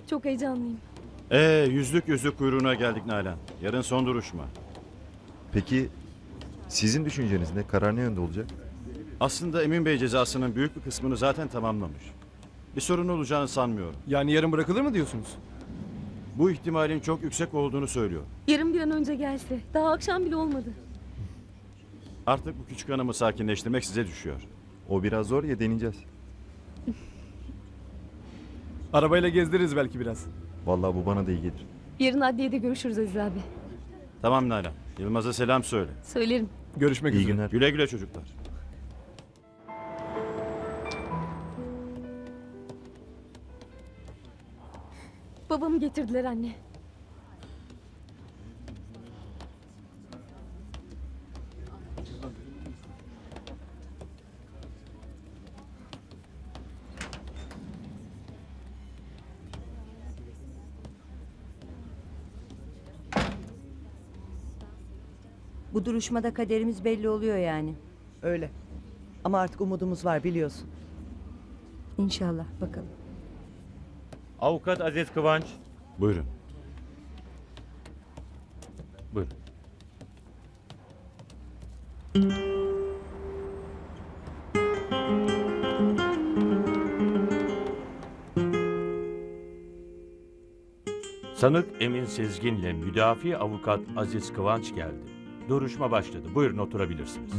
Çok heyecanlıyım. Yüzlük kuyruğuna geldik Nalan. Yarın son duruşma. Peki sizin düşünceniz ne? Karar ne yönde olacak? Aslında Emin Bey cezasının büyük bir kısmını zaten tamamlamış. Bir sorun olacağını sanmıyorum. Yani yarın bırakılır mı diyorsunuz? Bu ihtimalin çok yüksek olduğunu söylüyor. Yarın bir an önce gelse. Daha akşam bile olmadı. Artık bu küçük hanımı sakinleştirmek size düşüyor. O biraz zor ya, deneyeceğiz. Arabayla gezdiririz belki biraz. Vallahi bu bana da iyi gelir. Yarın adliyede görüşürüz Aziz abi. Tamam Nalan. Yılmaz'a selam söyle. Söylerim. Görüşmek İyi üzere. günler. Güle güle çocuklar. Babamı getirdiler anne. Bu duruşmada kaderimiz belli oluyor yani. Öyle. Ama artık umudumuz var biliyorsun. İnşallah bakalım. Avukat Aziz Kıvanç. Buyurun. Buyurun. Sanık Emin Sezgin'le müdafi avukat Aziz Kıvanç geldi. Duruşma başladı. Buyurun oturabilirsiniz.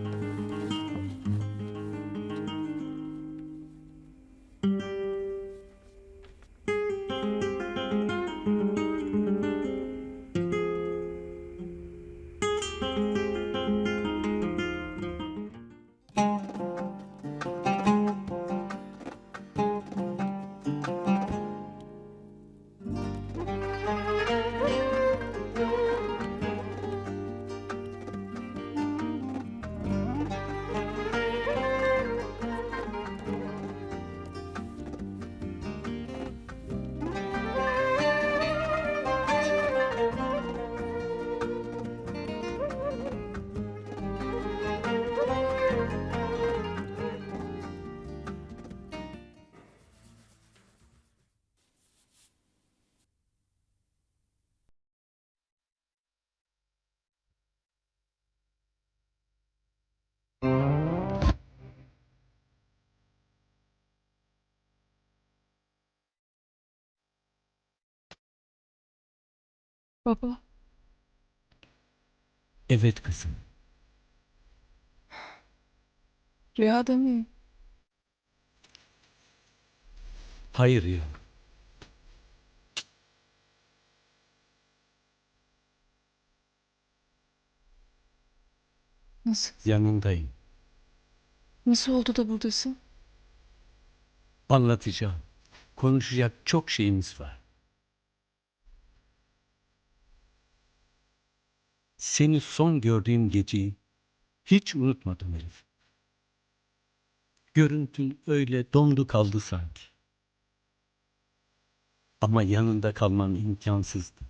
Baba, Evet kızım. rüyada mıyım? Hayır ya. Nasıl? Yanındayım. Nasıl oldu da buradasın? Anlatacağım. Konuşacak çok şeyimiz var. Seni son gördüğüm geceyi hiç unutmadım Elif. Görüntün öyle dondu kaldı sanki. Ama yanında kalmam imkansızdı.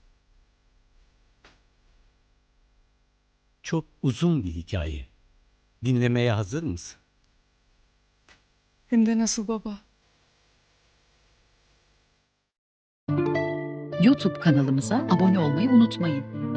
Çok uzun bir hikaye. Dinlemeye hazır mısın? Hem de nasıl baba? YouTube kanalımıza abone olmayı unutmayın.